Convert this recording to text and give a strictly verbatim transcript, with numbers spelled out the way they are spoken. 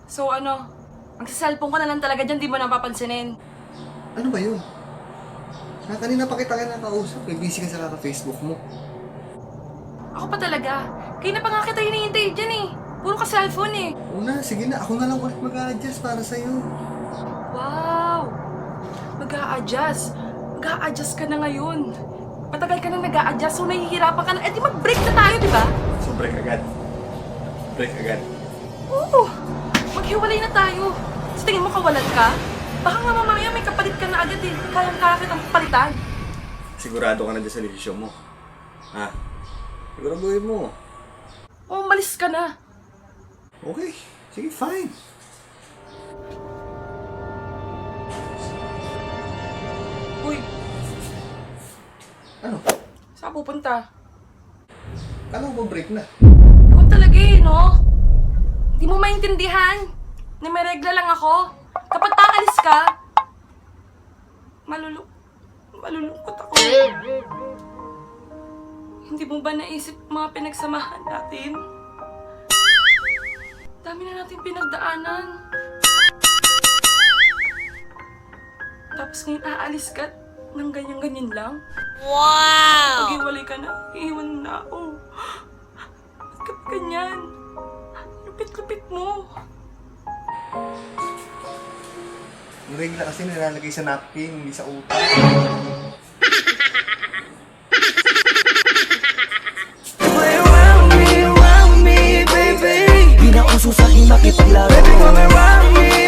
So ano, ang cellphone ko na lang talaga dyan, di mo napapansinin. Ano ba yun? Na kanina pa kita ka nakausap, eh, busy ka sa kaka-Facebook mo. Ako pa talaga. Kaya na pa nga kita hinihintay dyan eh. Puro ka cellphone eh. Una, sige na, ako na lang ulit mag-a-adjust para sa'yo. Wow! Mag-a-adjust. Mag-a-adjust ka na ngayon. Matagal ka na nag-a-adjust, so nahihirapan ka na. Eh di mag-break na tayo, di ba? So break agad. Break agad. Oo! Maghiwalay na tayo. Sa tingin mo kawalan ka? Baka nga mamaya may kapalit ka na agad eh. Kayang-kaya kitang palitan. Sigurado ka na dyan sa desisyon mo. Ha? Siguraduhin mo. O, umalis ka na. Okay, sige, fine. Uy, Ano? saan ka pupunta? Kala ko ba break na? Ikaw talaga eh, no? Hindi mo maintindihan. Na may regla lang ako. Kapag takalis ka, malulu malulungkot ako. Hindi mo ba naisip mga pinagsamahan natin? Dami na natin pinagdaanan. Tapos ngayon aalis ka ng ganyan-ganyan lang? Wow! Pag-iwalay ka na, iiwan mo na ako. Ba't ka pa ganyan? Lupit-lupit mo. Yung regla kasi nilalagay sa napkin, hindi sa utak. Play around me, around me, baby. Di na uso sa'kin makipaglaro. Baby, come around me,